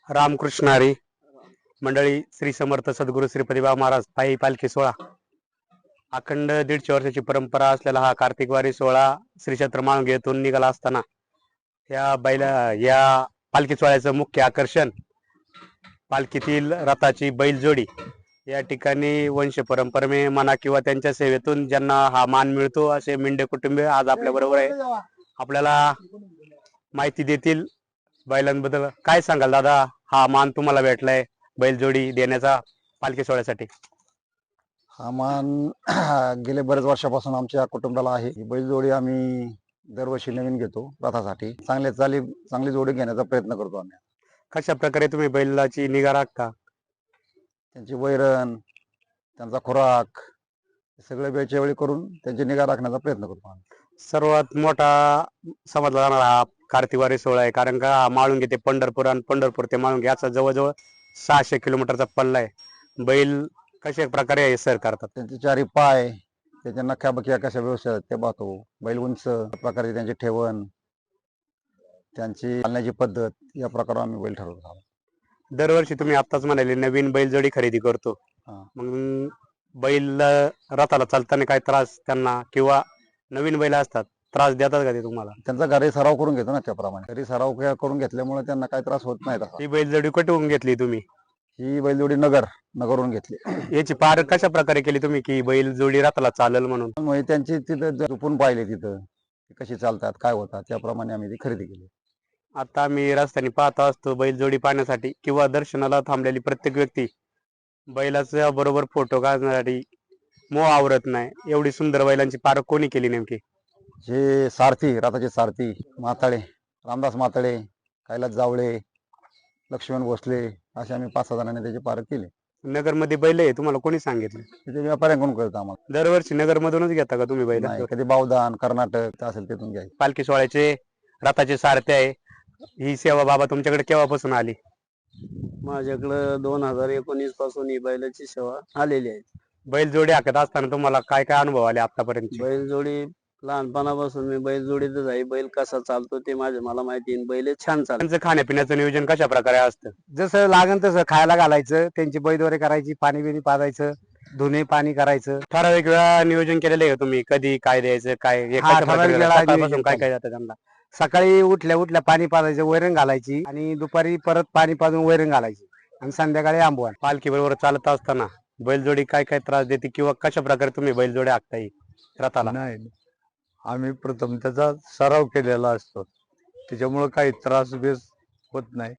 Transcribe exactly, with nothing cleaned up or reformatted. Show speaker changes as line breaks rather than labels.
रामकृष्ण हरी मंडळी, श्री समर्थ सद्गुरू श्रीपती बाबा महाराज पायी पालखी सोहळा. अखंड दीडशे वर्षाची परंपरा असलेला हा कार्तिक वारी सोहळा श्री क्षेत्र माळुंगे येथून निघाला असताना या बैला या पालखी सोहळ्याचं मुख्य आकर्षण पालखीतील रथाची बैलजोडी. या ठिकाणी वंश परंपरेने म्हणा किंवा त्यांच्या सेवेतून ज्यांना हा मान मिळतो असे मिंडे कुटुंबीय आज आपल्या बरोबर आहे. आपल्याला माहिती देतील बैलांबद्दल. काय सांगाल दादा, हा मान तुम्हाला भेटलाय बैलजोडी देण्याचा पालखी सोहळ्यासाठी?
हा मान गेले बरेच वर्षापासून आमच्या कुटुंबाला आहे. ही बैलजोडी आम्ही दरवर्षी नवीन घेतो रथासाठी. चांगले चाली चांगली जोडी घेण्याचा प्रयत्न करतो आम्ही.
कशा प्रकारे तुम्ही बैलाची निगा राखता?
त्यांची वैरण, त्यांचा खुराक सगळे वेळच्या वेळी करून त्यांची निगा राखण्याचा प्रयत्न करतो आम्ही.
सर्वात मोठा समजला जाणारा हा कार्तिक वारी सोहळा आहे, कारण का माळुंगे ते पंढरपूर आणि पंढरपूर ते माळुंगे याचा जवळजवळ सहाशे किलोमीटरचा पल्ला आहे. बैल कशा प्रकारे हे सर करतात?
त्यांचे चारी पाय, त्याच्या नख्या बख्या कशा व्यवस्थित आहेत ते पाहतो. बैल उंच प्रकारे त्यांची ठेवण, त्यांची चालण्याची पद्धत या प्रकारे आम्ही बैल ठरवतो.
दरवर्षी तुम्ही आत्ताच म्हणाले नवीन बैलजोडी खरेदी करतो,
हा.
मग बैल रथाला चालताना काय त्रास त्यांना किंवा नवीन बैल असतात त्रास देतात का ते तुम्हाला?
त्यांचा घरी सराव करून घेतो ना, त्याप्रमाणे घरी सराव के- करून घेतल्यामुळे त्यांना काही त्रास होत नाही तसा.
ही बैलजोडी कुठून घेतली तुम्ही?
ही बैलजोडी नगर नगरवरून घेतली.
याची पार कशा प्रकारे केली तुम्ही की बैलजोडी रथाला चालेल म्हणून?
म्हणजे त्यांची तिथं झोपून पाहिले, तिथं ते कशी चालतात काय होतात त्याप्रमाणे आम्ही ती खरेदी केली.
आता मी रस्त्याने पाहत असतो बैलजोडी पाहण्यासाठी किंवा दर्शनाला थांबलेली प्रत्येक व्यक्ती बैलाच्या बरोबर फोटो काढण्यासाठी मोह आवरत नाही. एवढी सुंदर बैलांची पारख कोणी केली नेमकी?
जे सारथी, रथाचे सारथी माताळे, रामदास माताळे, कैलास जावळे, लक्ष्मण भोसले असे आम्ही पाच सहा जणांनी त्याची पारख केली.
नगरमध्ये बैल आहे तुम्हाला कोणी सांगितलं?
तिथे व्यापाऱ्यांकडून कळतं आम्हाला.
दरवर्षी नगर मधूनच घेता का तुम्ही बैल?
नाही, कधी बावदान कर्नाटक असेल तिथून घ्यायचं.
पालखी सोहळ्याचे रथाचे सारथे आहे, ही सेवा बाबा तुमच्याकडे केव्हापासून आली?
माझ्याकडं दोन हजार एकोणीस पासून ही बैलाची सेवा आलेली आहे.
बैलजोडी हाकत असताना तुम्हाला काय काय अनुभव आले आतापर्यंत?
बैलजोडी लहानपणापासून मी बैलजोडीतच आहे. बैल कसा चालतो ते माझे मला माहिती आहे. बैल छान चालतो.
त्यांचं खाण्यापिण्याचं नियोजन कशा प्रकारे असतं?
जसं लागन तसं खायला घालायचं, त्यांची बैदवारी करायची, पाणी बिणी पाजायचं, धुणे पाणी करायचं.
ठराविक वेळा नियोजन केलेलं आहे का तुम्ही? कधी काय द्यायचं, काय हे
हा,
कशा
ठराविक
प्रकारे
वेळा
सकाळपासून
नियोजन
काय काय जातं त्यांना?
सकाळी उठल्या उठल्या पाणी पाजायचं, वैरण घालायची आणि दुपारी परत पाणी पाजून वैरण घालायची आणि संध्याकाळी आंबवण.
पालखी बरोबर चालत असताना बैलजोडी काय काय त्रास देते किंवा कशा प्रकारे तुम्ही बैलजोडी हाकता येईल रथाला?
नाही, आम्ही प्रथम त्याचा सराव केलेला असतो, त्याच्यामुळे काही त्रास बेस होत नाही.